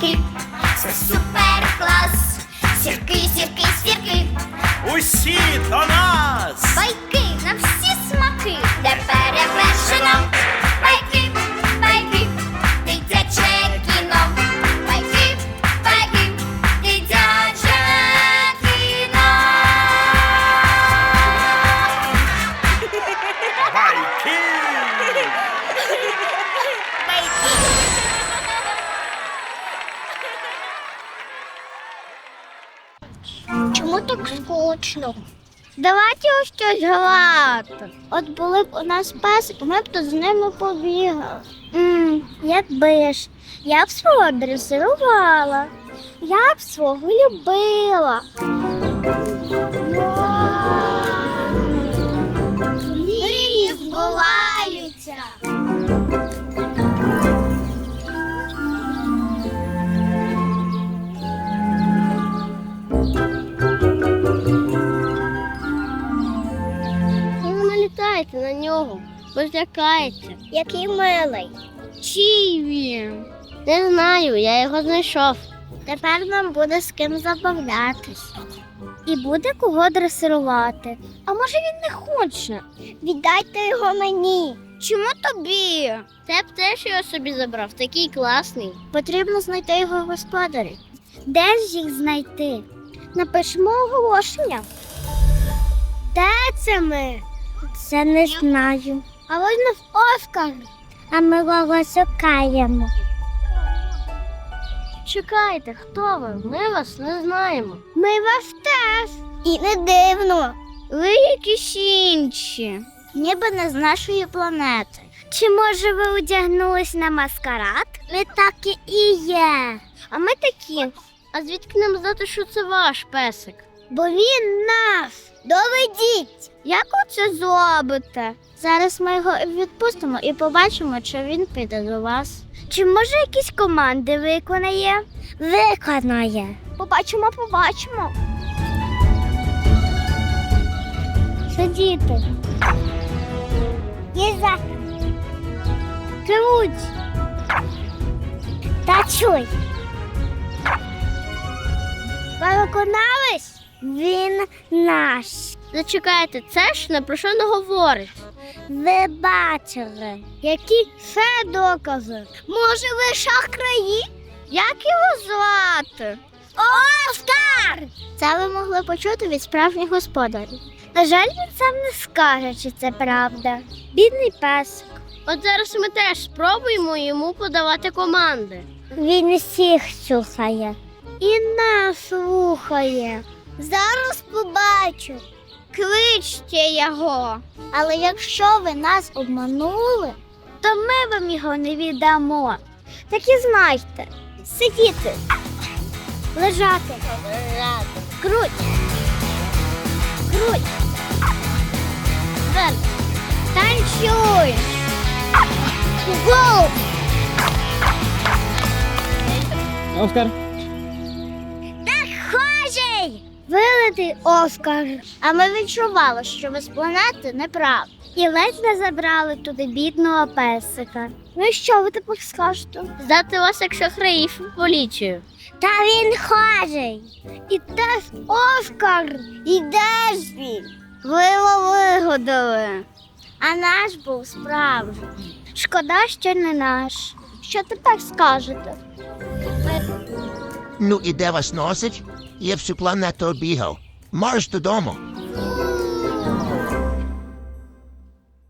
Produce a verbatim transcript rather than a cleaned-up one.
сірки, це супер клас. Сірки, сірки, сірки, Усі до нас! байки на всі смаки, де перевершено. Байки, байки, дитяче кіно. Байки, байки, дитяче кіно. Байки! Чому так скучно? Давайте ось щось грати. От були б у нас песики, ми б то з ними побігали. Ммм, якби ж. Я б свого дресирувала. Я б свого любила. Мрії збуваються. Ви не налітайте на нього, бо злякається. Який милий. Чий він? Не знаю, я його знайшов. Тепер нам буде з ким забавлятись. І буде кого дресирувати. А може він не хоче? Віддайте його мені. Чому тобі? Ти б теж його собі забрав, такий класний. Потрібно знайти його господарів. Де ж їх знайти? Напишемо оголошення. Де це ми? Це не знаю. А ось нас Оскар. А ми його шукаємо. Чекайте, хто ви? Ми вас не знаємо. Ми вас теж. І не дивно. Ви якісь інші. Ніби не з нашої планети. Чи може ви одягнулись на маскарад? Ви такі і є. А ми такі. А звідки нам знати, що це ваш песик? Бо він наш. Доведіть. Як ви це зробите? Зараз ми його відпустимо і побачимо, чи він піде до вас. Чи може якісь команди виконає? Виконає. Побачимо, побачимо. Сидіти. Їза. Кривуть. Та чуй. Ви виконались? Він наш. Зачекайте, це ж не про що не говорить. Ви бачили. Які ще докази? Може, ви шахраї? Як його звати? Оскар! Це ви могли почути від справжніх господарів. На жаль, він сам не скаже, чи це правда. Бідний песик. От зараз ми теж спробуємо йому подавати команди. Він всіх слухає. І нас слухає. Зараз побачу. Кличте його. Але якщо ви нас обманули, то ми вам його не віддамо. Так і знайте. Сидіти. Лежати. Лежати. Круть. Круть. Вверх. Танцюй. Гоу. Оскар. Схожий! Вилитий Оскар. А ми відчували, що ви з планети неправда. І ледь не забрали туди бідного песика. Ну і що ви тепер скажете? Здати вас як шахраїв у поліцію. Та він схожий. І теж Оскар. І де ж він? Ви його вигадали. А наш був справжній. Шкода, що не наш. Що тепер скажете? Ну і де вас носить? Я всю планету обігав. Марш додому.